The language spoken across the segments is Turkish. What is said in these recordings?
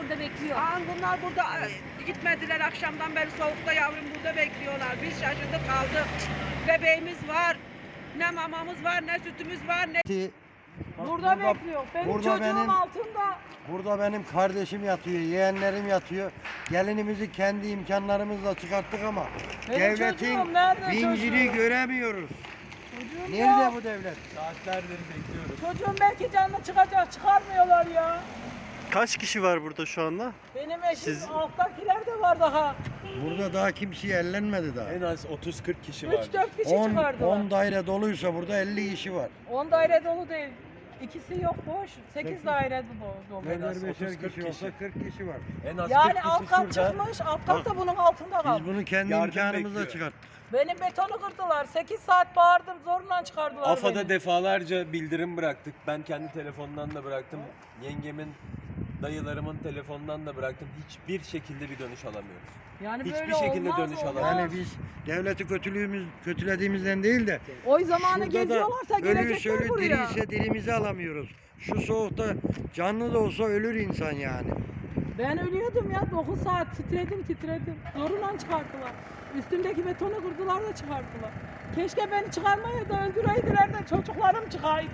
burada bekliyor. Bunlar burada gitmediler akşamdan beri soğukta yavrum burada bekliyorlar. Biz şaşırdık kaldık. Bebeğimiz var. Ne mamamız var, ne sütümüz var, ne... Burada bekliyor. Benim çocuğum altında. Burada benim kardeşim yatıyor, yeğenlerim yatıyor. Gelinimizi kendi imkanlarımızla çıkarttık ama Benim devletin çocuğum nerede vincini çocuğum? göremiyoruz. Çocuğum Nerede yok. bu devlet? Saatlerdir bekliyoruz. Çocuğum belki canlı çıkacak. Çıkarmıyorlar ya. Kaç kişi var burada şu anda? Benim eşim Siz- alttakiler de var daha. Burada daha kimseye ellenmedi daha. En az 30-40 kişi var. 3-4 kişi 10 çıkardılar. daire doluysa burada 50 kişi var. 10 daire dolu değil. İkisi yok boş. 8 daire dolu. En az Beşer 30-40 kişi olsa kişi. 40 kişi var. En az Yani 40 alt kişi kat şurada. çıkmış, alt kat da bunun altında Biz kaldı. bunu kendi Yardım imkanımızla bekliyor. çıkarttık. Benim betonu kırdılar. 8 saat bağırdım, zorla çıkardılar AFAD'a beni. defalarca bildirim bıraktık. Ben kendi telefondan da bıraktım. Yengemin, dayılarımın telefondan da bıraktım. Hiçbir şekilde bir dönüş alamıyoruz. Yani hiçbir böyle şekilde olmaz, dönüş olmaz. alamıyoruz. Yani biz devleti kötülediğimizden değil de Oy zamanı şurada da geziyorlarsa ölüyse gelecekler ölü, buraya. diriyse dirimizi alamıyoruz. Şu soğukta canlı da olsa ölür insan yani. Ben ölüyordum ya, 9 saat titredim. Zorundan çıkarttılar. Üstümdeki betonu kırdılar da çıkarttılar. Keşke beni çıkarmaya da öldüreydiler de çocuklarım çıkaydı.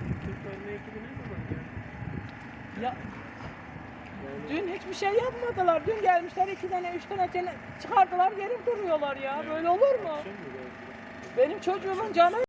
Ya dün hiçbir şey yapmadılar. Dün gelmişler 2 tane 3 tane çıkardılar, geri duruyorlar ya. Böyle olur mu? Benim çocuğumun canı